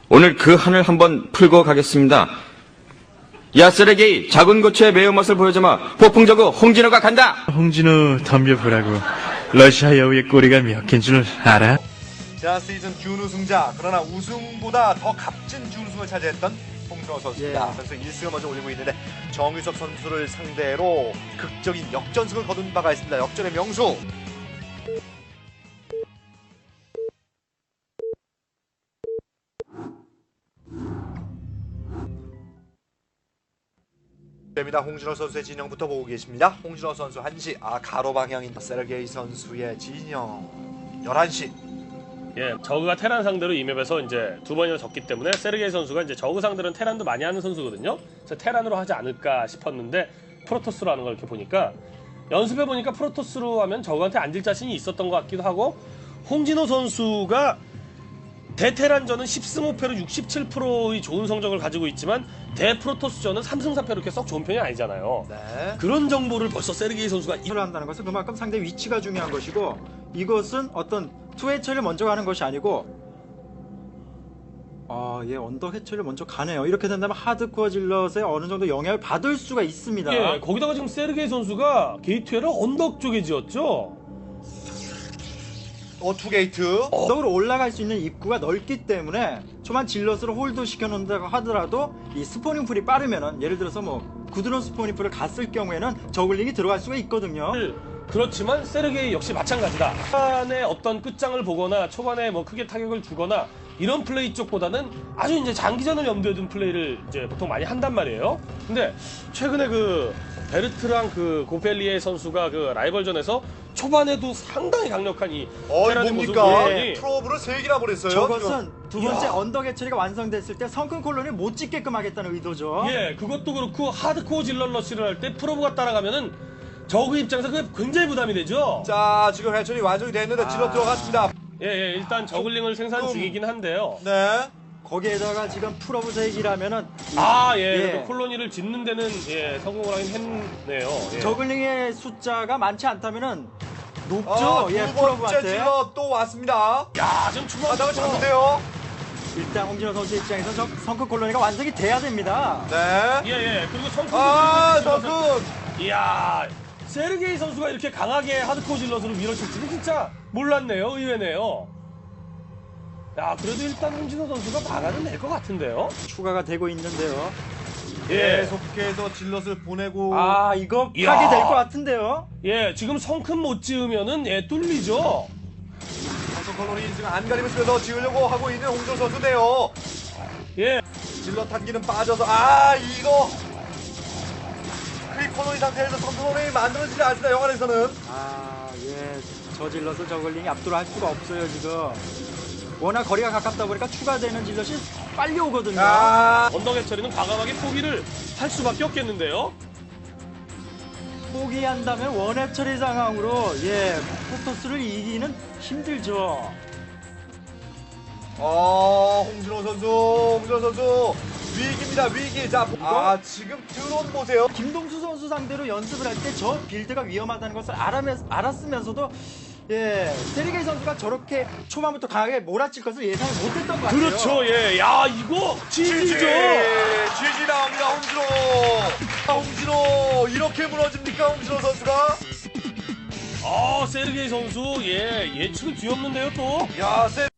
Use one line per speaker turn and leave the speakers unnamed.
오늘 그 한을 한번 풀고 가겠습니다. 야, 세르게이, 작은 고추의 매운맛을 보여주마. 폭풍저그 홍진호가 간다!
홍진호 덤벼보라고. 러시아 여우의 꼬리가 몇 개인 줄 알아?
지난 시즌 준우승자, 그러나 우승보다 더 값진 준우승을 차지했던 홍진호 선수입니다. 그래서 1승을 먼저 올리고 있는데 정유석 선수를 상대로 극적인 역전승을 거둔 바가 있습니다. 역전의 명수. 됩니다. 홍진호 선수의 진영부터 보고 계십니다. 홍진호 선수 1시, 가로 방향인 세르게이 선수의 진영 11시.
예, 저그가 테란 상대로 이 맵에서 이제 두 번이나 졌기 때문에 세르게이 선수가 이제 저그 상대로는 테란도 많이 하는 선수거든요. 그래서 테란으로 하지 않을까 싶었는데 프로토스로 하는 걸 이렇게 보니까 연습해 보니까 프로토스로 하면 저그한테 앉을 자신이 있었던 것 같기도 하고 홍진호 선수가 대테란전은 10승 5패로 67%의 좋은 성적을 가지고 있지만 대프로토스전은 3승 4패로 이렇게 썩 좋은 편이 아니잖아요.
네.
그런 정보를 벌써 세르게이 선수가
를 한다는 것은 그만큼 상대 위치가 중요한 것이고 이것은 어떤 투 해처리를 먼저 가는 것이 아니고 예, 언덕 해처리를 먼저 가네요. 이렇게 된다면 하드코어 질럿에 어느 정도 영향을 받을 수가 있습니다.
예, 거기다가 지금 세르게이 선수가 게이트웨이를 언덕 쪽에 지었죠.
투게이트.
언덕으로 올라갈 수 있는 입구가 넓기 때문에 초반 질럿으로 홀드 시켜놓는다고 하더라도 이 스포닝 풀이 빠르면은 예를 들어서 뭐 구드론 스포닝 풀을 갔을 경우에는 저글링이 들어갈 수가 있거든요.
그렇지만 세르게이 역시 마찬가지다. 초반에 어떤 끝장을 보거나 초반에 뭐 크게 타격을 주거나 이런 플레이 쪽보다는 아주 이제 장기전을 염두에 둔 플레이를 이제 보통 많이 한단 말이에요. 근데 최근에 그 베르트랑 그 고펠리에 선수가 그 라이벌전에서 초반에도 상당히 강력한 이 테란의 모습을
뭡니까?
보이더니
프로브를 3개나 보냈어요.
저것은 두 번째
이야.
언덕 해처리가 완성됐을 때 성큰 콜론을 못 찍게끔 하겠다는 의도죠.
예, 그것도 그렇고 하드코어 질럿 러시를 할 때 프로브가 따라가면은 저그 입장에서 그게 굉장히 부담이 되죠.
자, 지금 해철이 완성이 됐는데 질러 들어갔습니다.
예, 일단 저글링을 생산 중이긴 한데요.
네.
거기에다가 지금 풀어브색이라면은
그래도 콜로니를 짓는 데는 성공을 하긴 했네요. 예.
저글링의 숫자가 많지 않다면은 높죠.
두 번째
풀어브한테.
질러 또 왔습니다.
야, 지금 중앙
바닥을 잡는데요.
일단 홍진호 선수 입장에서 성큰 콜로니가 완성이 돼야 됩니다.
네.
예. 그리고 성큰
성큰.
이야, 세르게이 선수가 이렇게 강하게 하드코어 질럿으로 밀어칠지는 진짜 몰랐네요. 의외네요. 야, 그래도 일단 홍진호 선수가 막아는 낼 것 같은데요.
추가가 되고 있는데요.
예.
계속해서 질럿을 보내고.
이거
이야.
하게 될 것 같은데요.
예, 지금 성큰 못 지으면은 뚫리죠.
선수 컬러리 지금 안가림을 쓰면서 지으려고 하고 있는 홍준호 선수인데요.
예.
질럿 한기는 빠져서 이거 크립 컬러리 상태에서 선수들이 만들어지지 않습니다. 영화에서는.
저 질럿을 저글링이 압도를 할 수가 없어요 지금. 워낙 거리가 가깝다 보니까 추가되는 질럿이 빨리 오거든요.
언덕 해처리는 과감하게 포기를 할 수밖에 없겠는데요.
포기한다면 원해 처리 상황으로 프로토스를 이기는 힘들죠.
홍준호 선수 위기입니다. 위기. 자, 지금 드론 보세요.
김동수 선수 상대로 연습을 할 때 저 빌드가 위험하다는 것을 알았으면서도 세르게이 선수가 저렇게 초반부터 강하게 몰아칠 것을 예상을 못했던 것 같아요.
그렇죠, 예. 야, 이거 GG죠.
GG 나옵니다. 홍준호 이렇게 무너집니까? 홍준호 선수가?
세르게이 선수, 예측은 뒤없는데요, 또.
야,